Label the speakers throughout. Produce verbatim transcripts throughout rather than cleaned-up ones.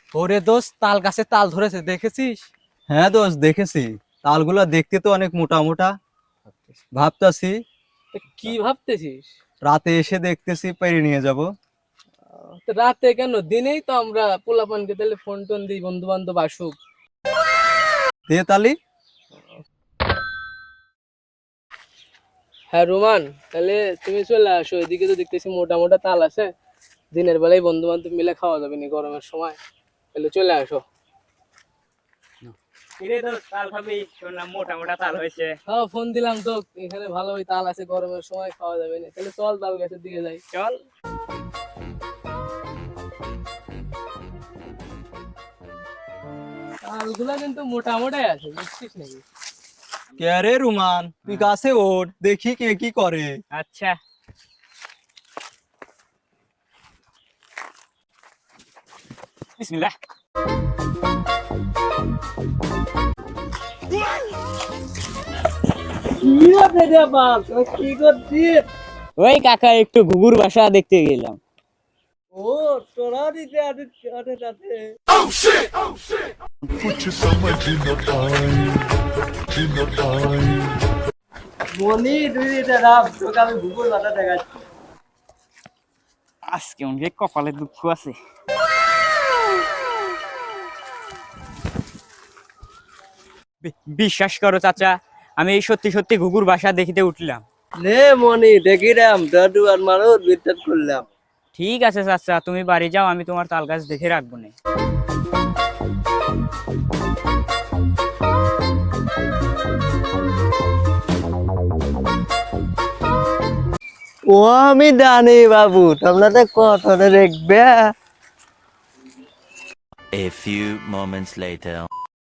Speaker 1: ওরে দোস্ত, তাল গাছে তাল ধরেছে, দেখেছিস?
Speaker 2: হ্যাঁ দোস্ত, দেখেছি। তালগুলা দেখতে তো অনেক মোটা মোটা। ভাবতাছি
Speaker 1: তা কি ভাবতেছিস?
Speaker 2: রাতে এসে দেখতেছি পেরে নিয়ে যাব।
Speaker 1: আহ, তো রাতে কেন, দিনেই তো আমরা পোলাপানকে তাহলে ফোন টোন দিই, বন্ধু বান্ধব আসুক।
Speaker 2: দে তালি।
Speaker 1: হ্যাঁ রোমান, তাহলে তুমি চলে আসো, এদিকে তো দেখতেছি মোটা মোটা তাল আছে। দিনের বেলায় বন্ধু বান্ধব মিলে খাওয়া যাবে না গরমের সময়, তাহলে চলে আসো।
Speaker 3: কিরে দোস্ত, তাল খাবি? শুনলাম মোটা মোটা তাল হয়েছে।
Speaker 1: হ্যাঁ ফোন দিলাম তো, এখানে ভালো ওই তাল আছে, গরমের সময় খাওয়া যাবে না, তাহলে চল তাল গাছের দিকে যাই।
Speaker 3: চল।
Speaker 1: তালগুলা কিন্তু মোটা মোটাই আছে, বুঝছিস নাকি?
Speaker 2: কে রে রুমান, তুই গাছে ওঠ, দেখি কে কি করে।
Speaker 3: আচ্ছা। বিসমিল্লাহ।
Speaker 1: কি করছিস?
Speaker 3: ওই কাকা, একটু ঘুঘুর বাসা দেখতে গেলাম।
Speaker 1: ও তোরা দিতে আছে।
Speaker 4: कुछ समझ न आए न आए
Speaker 1: মনি তুই দিতে রাম, তোকে আমি ভূগোল ভাষা দেখাচ্ছি।
Speaker 3: আজকে অনেক কপালে দুঃখ আছে। বি- বিশ্বাস করো চাচা, আমি এই সত্যি সত্যি ঘুঘুর বাসা দেখিতে উঠলাম।
Speaker 1: নে মনি দেখি রাম, দাদু আর মানুষ বিশ্বাস করলাম।
Speaker 3: ঠিক আছে চাচা, তুমি বাড়ি যাও, আমি তোমার তাল গাছ দেখে রাখবো না।
Speaker 1: ও আমি জানি বাবু, তোমরা তো কথা দেখবে।
Speaker 5: A few moments later.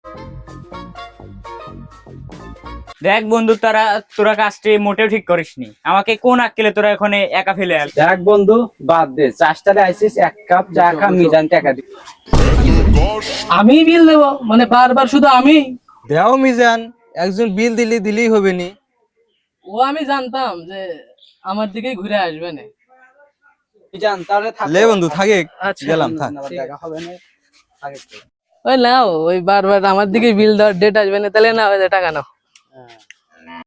Speaker 3: দেখ বন্ধু, তারা তোরা কাজটি মোটেও ঠিক করিসনি। আমাকে কোন আক্কেলে তোরা এখানে একা ফেলে আল।
Speaker 6: দেখ বন্ধু, বাদ দে, চাষটারে আইসিস, এক কাপ চা খা, মিজান টাকা দি।
Speaker 1: আমি বিল দেবো মানে বারবার শুধু আমি?
Speaker 2: দেও মিজান, একজন বিল দিলি দিলেই হবে নি।
Speaker 1: ও আমি জানতাম যে আমার দিকেই ঘুরে আসবে না।
Speaker 6: মিজান তাহলে থাক।
Speaker 2: লে বন্ধু থাকে,
Speaker 1: আচ্ছা,
Speaker 2: গেলাম থাক।
Speaker 6: আবার দেখা হবে না। থাকে তো।
Speaker 1: ওই নাও, ওই বারবার আমার দিকে বিল দেওয়ার ডেট আসবে না, তাহলে না ওই যে টাকা নাও।
Speaker 6: হ্যাঁ।